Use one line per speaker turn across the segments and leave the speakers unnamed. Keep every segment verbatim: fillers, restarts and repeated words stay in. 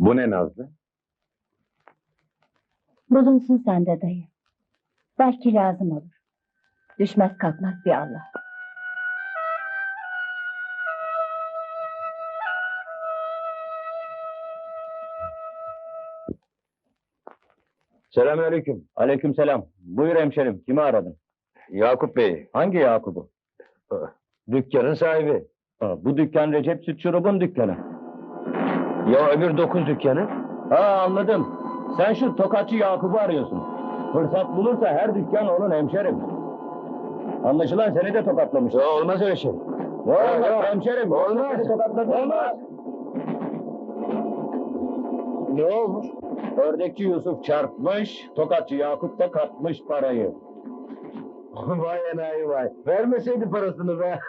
Bu ne Nazlı?
Bulunsun sende dayı. Belki lazım olur. Düşmez kalkmaz bir Allah.
Selamünaleyküm. Aleykümselam. Buyur hemşerim. Kimi aradın?
Yakup Bey.
Hangi Yakup'u?
Dükkanın sahibi.
Ha, bu dükkan Recep Süt Şurup'un dükkanı.
Ya öbür dokuz dükkanı?
Ha anladım. Sen şu tokatçı Yakup'u arıyorsun. Fırsat bulursa her dükkan onun hemşerim. Anlaşılan seni de tokatlamış.
Ya olmaz öyle şey.
Ne olmaz
yok.
hemşerim?
Olmaz.
Seni tokatladı.
Olmaz.
Ne olmuş? Ördekçi Yusuf çarpmış, tokatçı Yakup da katmış parayı.
Vay enayi vay. Vermeseydi parasını be.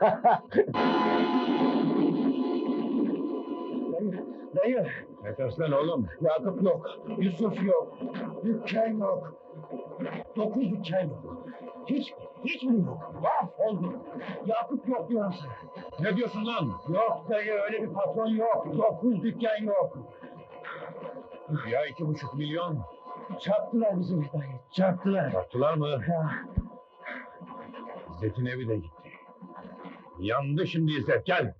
Dayı,
Ne tersen oğlum?
Yakup yok, Yusuf yok, dükkan yok. Dokuz dükkan yok. Hiç, hiçbiri yok. Mahvoldum. Yakup yok diyorum sana.
Ne diyorsun lan?
Yok dayı, öyle bir patron yok. Dokuz dükkan yok.
Ya iki buçuk milyon.
Çarptılar bizi dayı, çarptılar.
Sattılar mı?
Ya,
İzzet'in evi de gitti. Yandı şimdi İzzet, gel.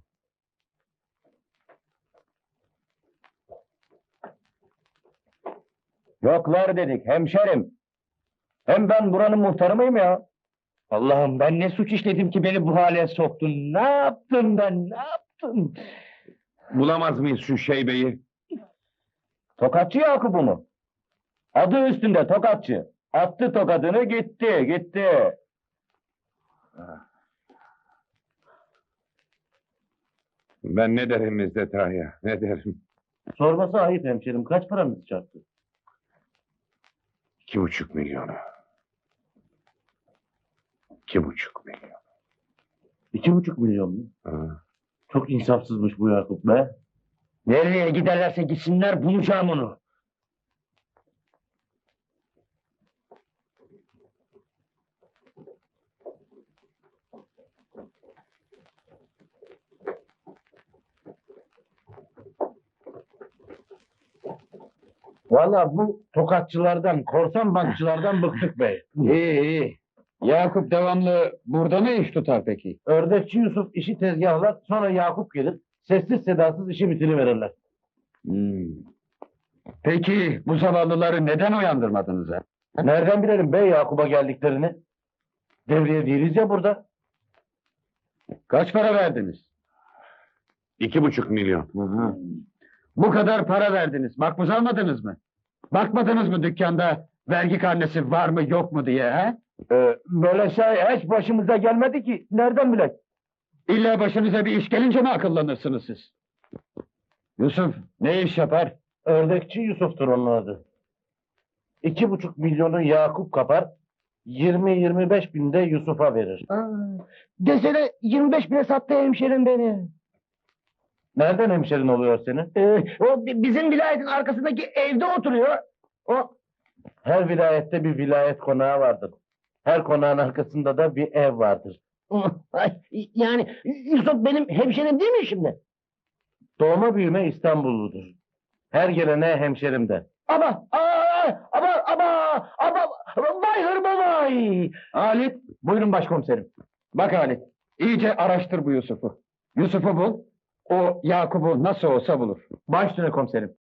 yoklar dedik hemşerim. Hem ben buranın muhtarı mıyım ya?
Allah'ım ben ne suç işledim ki beni bu hale soktun? Ne yaptım ben? Ne yaptım?
Bulamaz mıyız şu şeybeyi?
Tokatçı Yakup'u mu? Adı üstünde tokatçı. Attı tokadını gitti, gitti.
Ben ne derim İzzet Ağa'ya, ne derim?
Sorması ayıp hemşerim. Kaç paranız çarptı?
İki buçuk milyonu. İki buçuk milyon.
İki buçuk milyon mu?
Ha.
Çok insafsızmış bu Yakup be.
Nereye giderlerse gitsinler bulacağım onu.
Vallahi bu tokatçılardan, korsan bankçılardan bıktık bey.
İyi iyi. Yakup devamlı burada mı iş tutar peki?
Ördekçi Yusuf işi tezgahlar, sonra Yakup gelir. Sessiz sedasız işi bitiriverirler.
Hmm. Peki bu zavallıları neden uyandırmadınız ha?
Nereden bilelim bey Yakup'a geldiklerini? Devriye değiliz ya burada.
Kaç para verdiniz?
İki buçuk milyon.
Bu kadar para verdiniz. Makbuz almadınız mı? Bakmadınız mı dükkanda vergi karnesi var mı yok mu diye ha?
Ee, böyle şey hiç başımıza gelmedi ki. Nereden bilek?
İlla başınıza bir iş gelince mi akıllanırsınız siz? Yusuf ne iş yapar?
Ördekçi Yusuf'tur onun adı. İki buçuk milyonu Yakup kapar, yirmi yirmi beş bin de Yusuf'a verir.
Desene yirmi beş bine sattı hemşerim beni.
Nereden hemşerin oluyor senin?
Ee, o bi- bizim vilayetin arkasındaki evde oturuyor. O
Her vilayette bir vilayet konağı vardır. Her konağın arkasında da bir ev vardır.
Ay, yani Yusuf benim hemşerim değil mi şimdi?
Doğma büyüme İstanbulludur. Her gelene hemşerim der.
Ama aa, ama ama ama vay hırma vay.
Halit, buyurun başkomiserim. Bak Halit, iyice araştır bu Yusuf'u. Yusuf'u bul, o Yakup'u nasıl olsa bulur.
Baş üstüne komiserim.